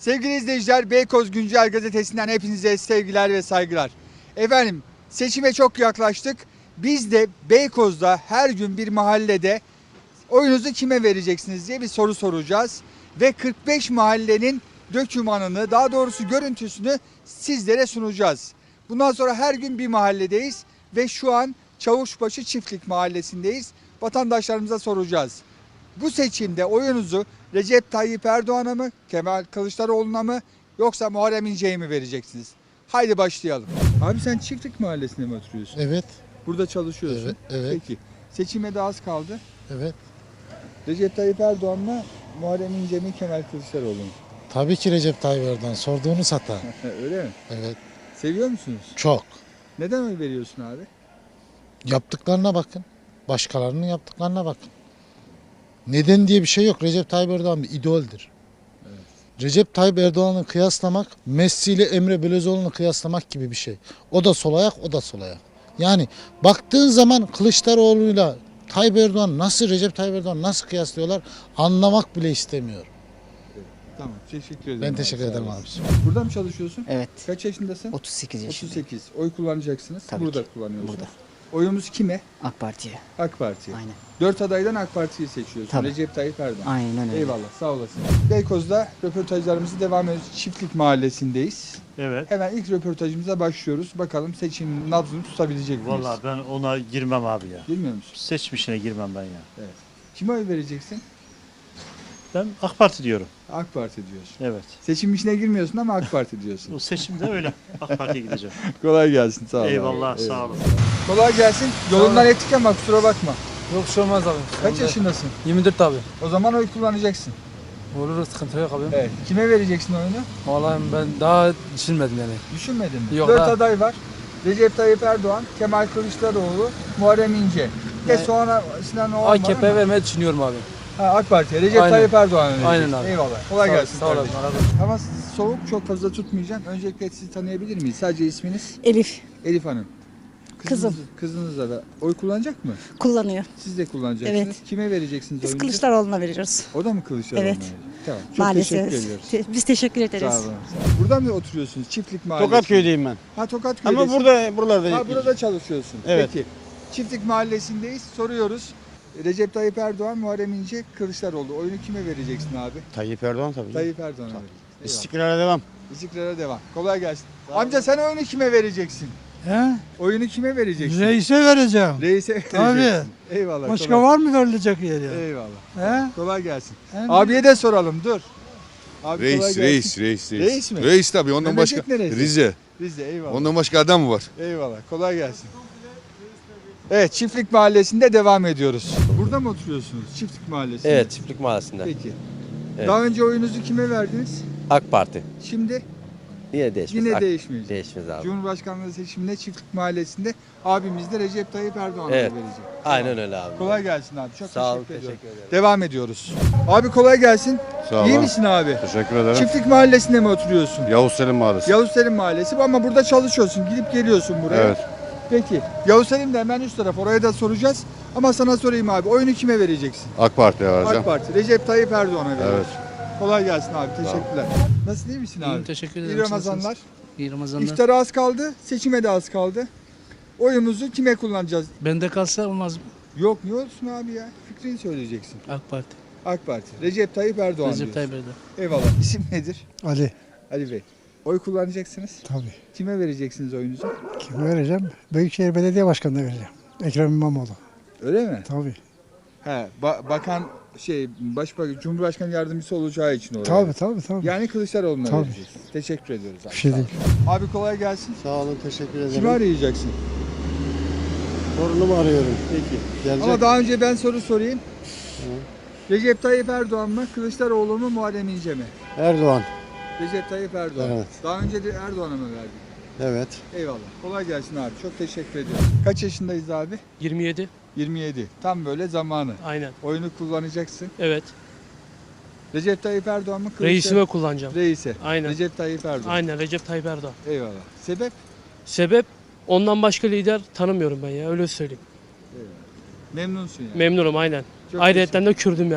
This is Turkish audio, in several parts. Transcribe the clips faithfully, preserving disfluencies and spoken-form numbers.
Sevgili izleyiciler, Beykoz Güncel Gazetesi'nden hepinize sevgiler ve saygılar. Efendim, seçime çok yaklaştık. Biz de Beykoz'da her gün bir mahallede oyunuzu kime vereceksiniz diye bir soru soracağız. Ve kırk beş mahallenin dökümanını, daha doğrusu görüntüsünü sizlere sunacağız. Bundan sonra her gün bir mahalledeyiz ve şu an Çavuşbaşı Çiftlik Mahallesi'ndeyiz. Vatandaşlarımıza soracağız. Bu seçimde oyunuzu Recep Tayyip Erdoğan'a mı, Kemal Kılıçdaroğlu'na mı yoksa Muharrem İnce'ye mi vereceksiniz? Haydi başlayalım. Abi sen Çiftlik Mahallesi'nde mi oturuyorsun? Evet. Burada çalışıyorsun. Evet, evet. Peki. Seçime de az kaldı. Evet. Recep Tayyip Erdoğan mı, Muharrem İnce mi, Kemal Kılıçdaroğlu mu? Tabii ki Recep Tayyip Erdoğan. Sorduğunu sata. Öyle mi? Evet. Seviyor musunuz? Çok. Neden oy veriyorsun abi? Yaptıklarına bakın. Başkalarının yaptıklarına bakın. Neden diye bir şey yok. Recep Tayyip Erdoğan bir idoldür. Evet. Recep Tayyip Erdoğan'ı kıyaslamak, Messi ile Emre Belözoğlu'nu kıyaslamak gibi bir şey. O da sol ayak, o da sol ayak. Yani baktığın zaman Kılıçdaroğlu'yla Tayyip Erdoğan nasıl, Recep Tayyip Erdoğan nasıl kıyaslıyorlar anlamak bile istemiyor. Tamam, teşekkür ederim. Ben abi, teşekkür sağ ederim olasın. abi. Burada mı çalışıyorsun? Evet. Kaç yaşındasın? otuz sekiz yaşındayım. otuz sekiz. Oy kullanacaksınız. Tabii Burada ki. kullanıyorsunuz. Burada. Oyumuz kime? AK Parti'ye. AK Parti'ye. Aynen. Dört adaydan AK Parti'yi seçiyorsun. Tabii. Recep Tayyip Erdoğan. Aynen öyle. Eyvallah, sağ olasın. Beykoz'da röportajlarımızı devam ediyoruz. Çiftlik Mahallesi'ndeyiz. Evet. Hemen ilk röportajımıza başlıyoruz. Bakalım seçimin nabzını tutabilecek miyiz? Vallahi ben ona girmem abi ya. Bilmiyor musun? Seçmişine girmem ben ya. Evet. Kime oy vereceksin? Ben AK Parti diyorum. AK Parti diyorsun. Evet. Seçim işine girmiyorsun ama AK Parti diyorsun. O seçimde öyle. AK Parti'ye gideceğim. Kolay gelsin, sağ ol. Eyvallah, abi. sağ olun. Kolay gelsin. Yolundan ettik ama kusura bakma. Yok bir şey olmaz abi. Kaç yaşındasın? yirmi dört abi. O zaman oy kullanacaksın. Olur sıkıntı yok abi. Evet. Kime vereceksin oyunu? Vallahi ben daha düşünmedim yani. Düşünmedin mi? Yok, Dört daha- aday var. Recep Tayyip Erdoğan, Kemal Kılıçdaroğlu, Muharrem İnce. Ve Yani- sonra Sinan Oğan var A K P'ye ama- vermeyi düşünüyorum abi. Ha, AK Parti. Recep Aynen. Tayyip Erdoğan'a vereceksin. Aynen abi. Eyvallah. Kolay Sağ- gelsin. Sağ olasın. kardeşim. Hava soğuk, çok fazla tutmayacağım. Öncelikle sizi tanıyabilir miyiz? Sadece isminiz? Elif Elif Hanım. Kızım. Kızınızla da oy kullanacak mı? kullanıyor. Siz de kullanacaksınız. Evet. Kime vereceksiniz Biz oyunuzu? Kılıçdaroğlu'na veriyoruz. O da mı Kılıçdaroğlu'na Evet. verecek? Tamam. Çok Maalesef. teşekkür ediyoruz. Te- Biz teşekkür ederiz. Sağ olun. Burada mı oturuyorsunuz? Çiftlik Mahallesi. Tokatköy'deyim ben. Ha Tokatköy'desin. Ama burada buralarda Ha burada çalışıyorsun. Evet. Peki. Çiftlik Mahallesi'ndeyiz. Soruyoruz. Recep Tayyip Erdoğan, Muharrem İnce, Kılıçdaroğlu. Oyunu kime vereceksin abi? Tayyip Erdoğan tabii. Tayyip Erdoğan'a vereceksin. Eyvallah. İstikrara devam. İstikrara devam. Kolay gelsin. Amca sen oyunu kime vereceksin? He? Oyunu kime vereceksin? Reise vereceğim. Reis'e vereceksin. Tabii. Eyvallah. Başka kolay. var mı verilecek yeri? Eyvallah. He? Kolay gelsin. Hem- Abiye de soralım dur. Abi kolay Reis, gelsin. reis, reis, reis. Reis mi? Reis tabii. Ondan Memleket başka neresi? Rize. Biz de eyvallah. Ondan başka adam mı var? Eyvallah. Kolay gelsin. Evet, Çiftlik Mahallesi'nde devam ediyoruz. Burada mı oturuyorsunuz? Çiftlik Mahallesi'nde. Evet, Çiftlik Mahallesi'nde. Peki. Evet. Daha önce oyunuzu kime verdiniz? AK Parti. Şimdi Yine değişmez. yine AK- değişmeyecek. Değişmez abi. Cumhurbaşkanlığı seçiminde Çiftlik Mahallesi'nde abimiz de Recep Tayyip Erdoğan'a Evet. verecek. Aynen öyle abi. Kolay gelsin abi. Çok Sağ ol, teşekkür ediyorum. teşekkür ederim. Devam ediyoruz. Abi kolay gelsin. Sağ İyi olun. misin abi? Teşekkür ederim. Çiftlik Mahallesi'nde mi oturuyorsun? Yavuz Selim Mahallesi. Yavuz Selim Mahallesi ama burada çalışıyorsun. Gidip geliyorsun buraya. Evet. Peki. Yavuz Selim de hemen üst taraf. Oraya da soracağız. Ama sana sorayım abi. Oyunu kime vereceksin? AK Parti'ye vereceğim. AK Parti. Recep Tayyip Erdoğan'a veriyoruz. Evet. Kolay gelsin abi. Teşekkürler. Nasıl iyi misin abi? İyiyim, teşekkür İyi ederim. Ramazanlar. İyi Ramazanlar. İftara az kaldı. Seçime de az kaldı. Oyumuzu kime kullanacağız? Bende kalsa olmaz mı? Yok niye olsun abi ya? Fikrini söyleyeceksin. AK Parti. AK Parti. Recep Tayyip Erdoğan Recep diyorsun. Tayyip Erdoğan. Eyvallah. İsim nedir? Ali. Ali Bey. Oy kullanacaksınız. Tabii. Kime vereceksiniz oyunuzu? Kime vereceğim? Büyükşehir Belediye Başkanı'na vereceğim. Ekrem İmamoğlu. Öyle mi? Tabii. He, ba- bakan şey başbakan Cumhurbaşkanı yardımcısı olacağı için oraya. Tabii tabii tabii. Yani Kılıçdaroğlu'na Tabii. vereceksiniz. Teşekkür ediyoruz abi. Bir şey Sağ değil. olun. Abi kolay gelsin. Sağ olun, teşekkür ederim. Kimi arayacaksın? Torunumu arıyorum. Peki. Gelecek. Ama daha önce ben soru sorayım. Recep Tayyip Erdoğan mı, Kılıçdaroğlu mu, Muharrem İnce mi? Erdoğan. Recep Tayyip Erdoğan. Evet. Daha önce de Erdoğan'a mı verdin? Evet. Eyvallah. Kolay gelsin abi. Çok teşekkür ediyorum. Kaç yaşındayız abi? yirmi yedi. yirmi yedi. Tam böyle zamanı. Aynen. Oyunu kullanacaksın. Evet. Recep Tayyip Erdoğan mı? Kılıçdaroğlu? Reisime kullanacağım. Reise. Aynen. Recep Tayyip Erdoğan. Aynen Recep Tayyip Erdoğan. Eyvallah. Sebep? Sebep ondan başka lider tanımıyorum ben ya öyle söyleyeyim. Memnunsun yani. Memnunum aynen. Çok Ayrıyetten de Kürdüm yani.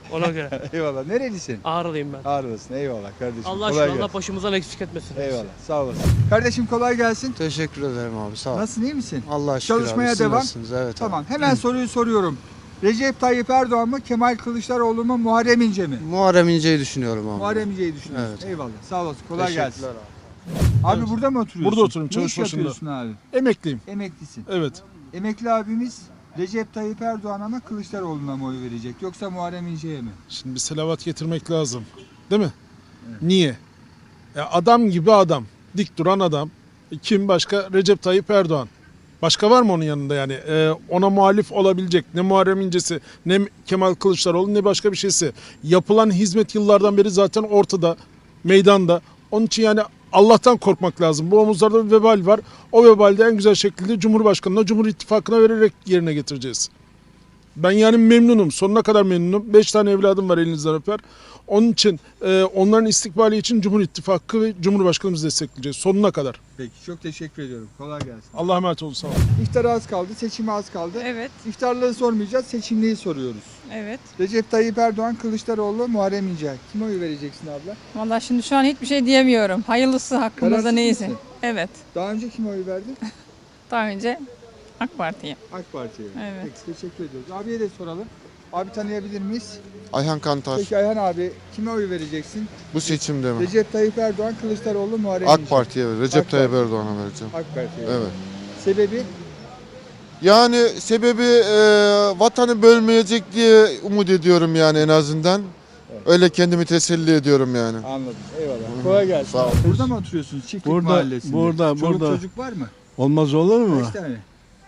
Ona göre. Eyvallah. Nerelisin? Ağrılıyım ben. Ağrılısın. Eyvallah kardeşim. Allah kolay aşkına gelsin. Allah başımızdan eksik etmesin. Eyvallah. Sağ olasın. Kardeşim kolay gelsin. Teşekkür ederim abi sağ ol. Nasılsın, iyi misin? Allah şükür Çalışmaya abi, siz devam. nasılsınız? Evet Tamam. Hemen soruyu soruyorum. Recep Tayyip Erdoğan mı, Kemal Kılıçdaroğlu mu, Muharrem İnce mi? abi. Muharrem İnce'yi düşünüyorum abi. Muharrem İnce'yi düşünüyorsun. Evet. Eyvallah. Sağ olasın. Kolay gelsin. Teşekkürler abi. Abi burada mı oturuyorsun? Burada oturuyorum, Ne çavuş iş başında. yapıyorsun abi? Emekliyim. Emeklisin. Evet. Emekli abimiz Recep Tayyip Erdoğan'a mı Kılıçdaroğlu'na mı oy verecek yoksa Muharrem İnce'ye mi? Şimdi bir selavat getirmek lazım. Değil mi? Niye? Ya adam gibi adam. Dik duran adam. Kim başka? Recep Tayyip Erdoğan. Başka var mı onun yanında yani? Ee, ona muhalif olabilecek ne Muharrem İnce'si, ne Kemal Kılıçdaroğlu, ne başka bir şeysi. Yapılan hizmet yıllardan beri zaten ortada, meydanda. Onun için yani Allah'tan korkmak lazım. Bu omuzlarda bir vebal var. O vebalde en güzel şekilde Cumhurbaşkanı'na, Cumhur İttifakı'na vererek yerine getireceğiz. Ben yani memnunum. Sonuna kadar memnunum. Beş tane evladım var, elinizden öper. Onun için e, onların istikbali için Cumhur İttifakı ve Cumhurbaşkanımızı destekleyeceğiz. Sonuna kadar. Peki çok teşekkür ediyorum. Kolay gelsin. Allah'a emanet olun. Sağ olun. İftara az kaldı, seçime az kaldı. Evet, İftarları sormayacağız, seçimliği soruyoruz. evet. Recep Tayyip Erdoğan, Kılıçdaroğlu, Muharrem İnce. Kime oy vereceksin abla? Vallahi şimdi şu an hiçbir şey diyemiyorum. Hayırlısı hakkımızda Kararsız neyse. mısın? Evet. Daha önce kime oy verdin? Daha önce AK Parti'ye. AK Parti'ye. Evet. Peki teşekkür ediyoruz. Abiye de soralım. Abi tanıyabilir miyiz? Ayhan Kantar. Peki Ayhan abi kime oy vereceksin? Bu seçimde mi? Recep Tayyip Erdoğan, Kılıçdaroğlu, Muharrem İnce. AK Parti'ye ver. Recep AK Tayyip Parti. Erdoğan'a vereceğim. AK Parti'ye. Evet. Sebebi? Yani sebebi e, vatanı bölmeyecek diye umut ediyorum yani en azından. Öyle kendimi teselli ediyorum yani. Anladım. Eyvallah. Kolay gelsin. Sağ ol. Burada mı oturuyorsunuz? Çiftlik Burada, mahallesinde. burada, Çoluk burada. çocuk var mı? Olmaz olur mu? Kaç tane?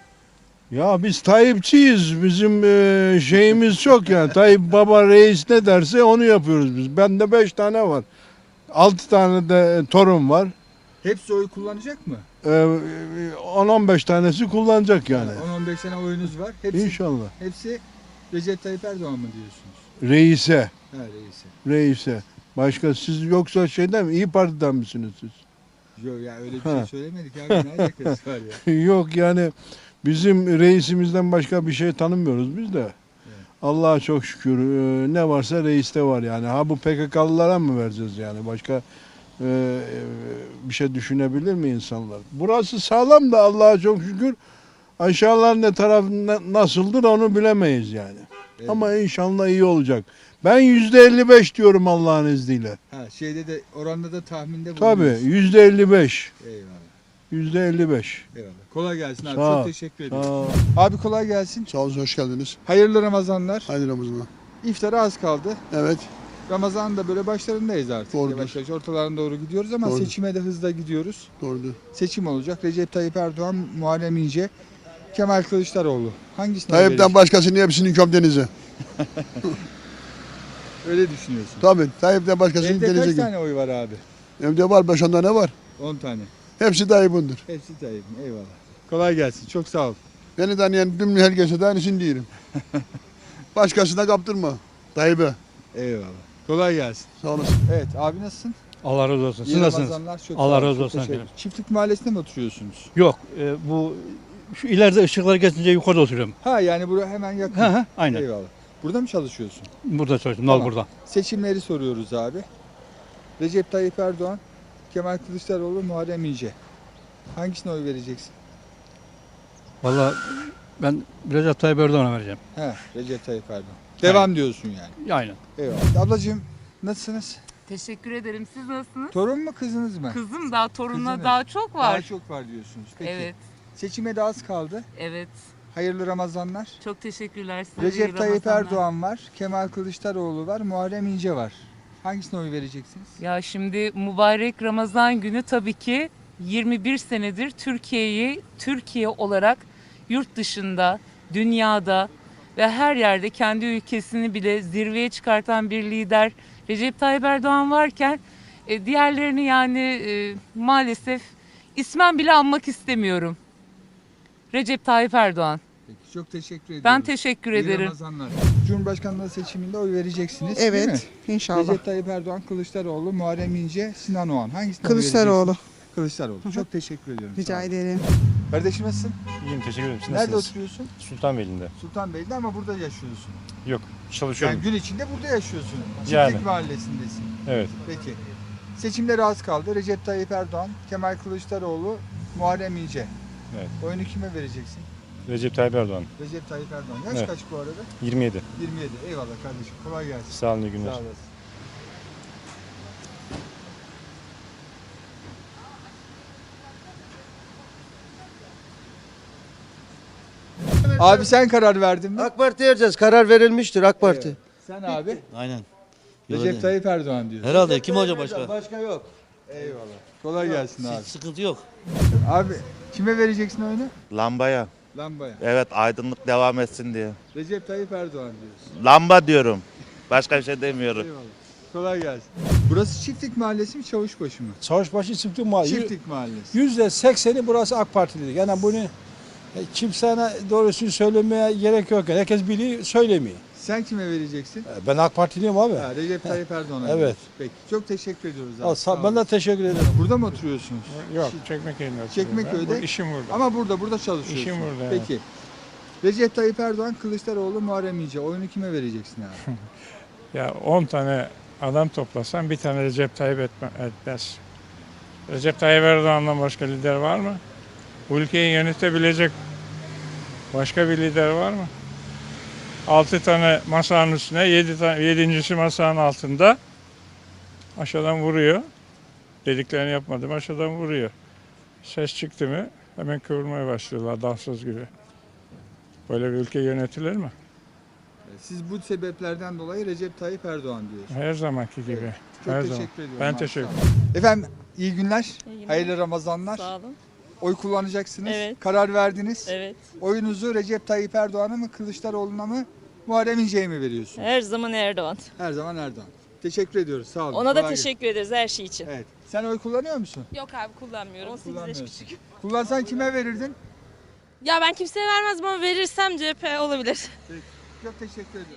Ya biz Tayyipçiyiz. Bizim e, şeyimiz çok yani. Tayyip Baba reis ne derse onu yapıyoruz biz. Bende beş tane var. Altı tane de torun var. Hepsi oy kullanacak mı? E, on on beş tanesi kullanacak yani. on on beş tane oyunuz var. Hepsi, İnşallah. hepsi Recep Tayyip Erdoğan mı diyorsunuz? Reise. Ha reisi. Reise. Başka siz yoksa şeyden mi? İyi Parti'den misiniz siz? Yok ya öyle bir Ha. şey söylemedik abi. Ne alakası var ya? Yok yani bizim reisimizden başka bir şey tanımıyoruz biz de. Allah'a çok şükür e, ne varsa reiste var yani. Ha bu P K K'lılara mı vereceğiz yani? Başka e, e, bir şey düşünebilir mi insanlar? Burası sağlam da Allah'a çok şükür. Aşağılar ne taraf na- nasıldır onu bilemeyiz yani. Evet. Ama inşallah iyi olacak. Ben yüzde elli beş diyorum Allah'ın izniyle. Ha şeyde de oranda da tahminde Tabii bulunuyorsun. yüzde elli beş. Eyvallah. Yüzde elli beş. Eyvallah. Kolay gelsin abi. Sağ ol. Çok teşekkür ederim. Aa. Abi kolay gelsin. Sağ olun, hoş geldiniz. Hayırlı Ramazanlar. Haydi Ramazan'a. İftara az kaldı. Evet. Ramazan'ın da böyle başlarındayız artık. Doğrudur. Yavaş yavaş ortalarına doğru gidiyoruz ama Doğrudur. seçime de hızla gidiyoruz. Doğrudur. Seçim olacak. Recep Tayyip Erdoğan, Muharrem İnce, Kemal Kılıçdaroğlu. Hangisine oy Tayyip'ten vereceksin? başkasını hepsini kömdenize. Öyle düşünüyorsun. Tabii. Tayyip'ten başkasını Elde kaç denize git. tane oy var abi? Evde var beş on tane var. on tane. Hepsi Tayyip'indir. Hepsi Tayyip'in. Eyvallah. Kolay gelsin. Çok sağ ol. Beni tanıyan tüm herkese de aynısını diyelim. Başkasına kaptırma. Tayyip'e. Eyvallah. Kolay gelsin. Sağ olasın. Evet abi nasılsın? Allah razı olsun. Siz İyi nasılsınız? Ramazanlar. Çok Allah sağ ol, razı çok olsun teşekkür- efendim. Çiftlik mahallesinde mi oturuyorsunuz? Yok, e, bu şu ileride ışıklar geçince yukarıda oturuyorum. Ha yani buraya hemen yakın. Ha ha, aynen. Eyvallah. Burada mı çalışıyorsun? Burada çalışıyorum. Tamam. Nal burada. Seçimleri soruyoruz abi. Recep Tayyip Erdoğan, Kemal Kılıçdaroğlu, Muharrem İnce. Hangisine oy vereceksin? Vallahi ben Recep Tayyip Erdoğan'a vereceğim. He, Recep Tayyip Erdoğan. Devam diyorsun yani. Aynen. Eyvallah. Ablacığım nasılsınız? Teşekkür ederim. Siz nasılsınız? Torun mu kızınız mı? Kızım daha torununa Kızınız. daha çok var. Daha çok var diyorsunuz. Peki. Evet, Seçime de az kaldı. evet. Hayırlı Ramazanlar. Çok teşekkürler size. iyi Recep Tayyip Ramazanlar. Erdoğan var, Kemal Kılıçdaroğlu var, Muharrem İnce var. Hangisine oy vereceksiniz? Ya şimdi mübarek Ramazan günü tabii ki yirmi bir senedir Türkiye'yi Türkiye olarak yurt dışında, dünyada ve her yerde kendi ülkesini bile zirveye çıkartan bir lider Recep Tayyip Erdoğan varken e, diğerlerini yani e, maalesef ismen bile anmak istemiyorum. Recep Tayyip Erdoğan. Peki, çok teşekkür ediyorum. Ben teşekkür İyi ederim. Ramazanlar. Cumhurbaşkanlığı seçiminde oy vereceksiniz değil mi? Evet, inşallah. Recep Tayyip Erdoğan, Kılıçdaroğlu, Muharrem İnce, Sinan Oğan. Hangisine oy Kılıçdaroğlu. vereceksiniz? Kılıçdaroğlu. Çok teşekkür ediyorum. Sağ Rica olun. ederim. Kardeşim nasılsın? İyiyim, teşekkür ederim. Siz Nerede nasılsınız? oturuyorsun? Sultanbeyli'nde. Sultanbeyli'de ama burada yaşıyorsun. Yok, çalışıyorum. Yani gün içinde burada yaşıyorsun. Çiftlik Yani. mahallesindesin. Evet. Peki. Seçimlere az kaldı. Recep Tayyip Erdoğan, Kemal Kılıçdaroğlu, Muharrem İnce. Evet. Oyunu kime vereceksin? Recep Tayyip Erdoğan. Recep Tayyip Erdoğan. Yaş Evet. kaç bu arada? yirmi yedi. yirmi yedi. Eyvallah kardeşim. Kolay gelsin. Sağ olun, iyi günler. Sağ olasın. Abi sen karar verdin mi? AK Parti vereceğiz. Karar verilmiştir AK Parti. Sen abi? Aynen. Recep Tayyip Erdoğan diyorsun. Herhalde kim olacak başka? Başka yok. Eyvallah. Kolay gelsin abi. Hiç sıkıntı yok. Abi kime vereceksin oyunu? Lambaya. Lambaya. Evet, aydınlık devam etsin diye. Recep Tayyip Erdoğan diyorsun. Lamba diyorum. Başka bir şey demiyorum. Eyvallah. Kolay gelsin. Burası Çiftlik Mahallesi mi Çavuşbaşı mı? Çavuşbaşı Çiftlik Mahallesi. Çiftlik Mahallesi. Yüzde sekseni burası AK Partili. Yani bunu e, kimsene doğrusunu söylemeye gerek yok. Herkes biliyor, söylemiyor. Sen kime vereceksin? E, Ben AK Partiliyim abi. Ha, Recep Tayyip Erdoğan'a. Evet. veriyorsun. Peki. Çok teşekkür ediyoruz abi. Al, Sağ sağ, ben olun. de teşekkür ederim. Burada mı oturuyorsunuz? Yok, Çekmeköy'de. Çekmeköy'de. İşim burada. Ama burada burada çalışıyorsun. İşim burada, evet. Peki. Recep Tayyip Erdoğan, Kılıçdaroğlu, Muharrem İnce. Oyunu kime vereceksin abi? Ya on tane adam toplasan bir tane Recep Tayyip etme, etmez. Recep Tayyip Erdoğan'dan başka lider var mı? Bu ülkeyi yönetebilecek başka bir lider var mı? Altı tane masanın üstüne, yedi tane, yedincisi masanın altında aşağıdan vuruyor. Dediklerini yapmadım, aşağıdan vuruyor. Ses çıktı mı hemen kıvırmaya başlıyorlar dansöz gibi. Böyle bir ülke yönetilir mi? Siz bu sebeplerden dolayı Recep Tayyip Erdoğan diyorsunuz. Her zamanki gibi. Çok Her teşekkür zaman. ediyorum. Ben abi, teşekkür sağ olun. Efendim iyi günler. İyi günler. Hayırlı Ramazanlar. Sağ olun. Oy kullanacaksınız. Evet. Karar verdiniz. Evet. Oyunuzu Recep Tayyip Erdoğan'a mı, Kılıçdaroğlu'na mı, Muharrem İnce'ye mi veriyorsunuz? Her zaman Erdoğan. Her zaman Erdoğan. Teşekkür ediyoruz. Sağ olun. Ona da Kolay gelsin. teşekkür ederiz her şey için. Evet. Sen oy kullanıyor musun? Yok abi kullanmıyorum. Kullanmıyorsun. Kullansan kime verirdin? Ya ben kimseye vermezdim ama verirsem C H P olabilir. Çok teşekkür ediyorum.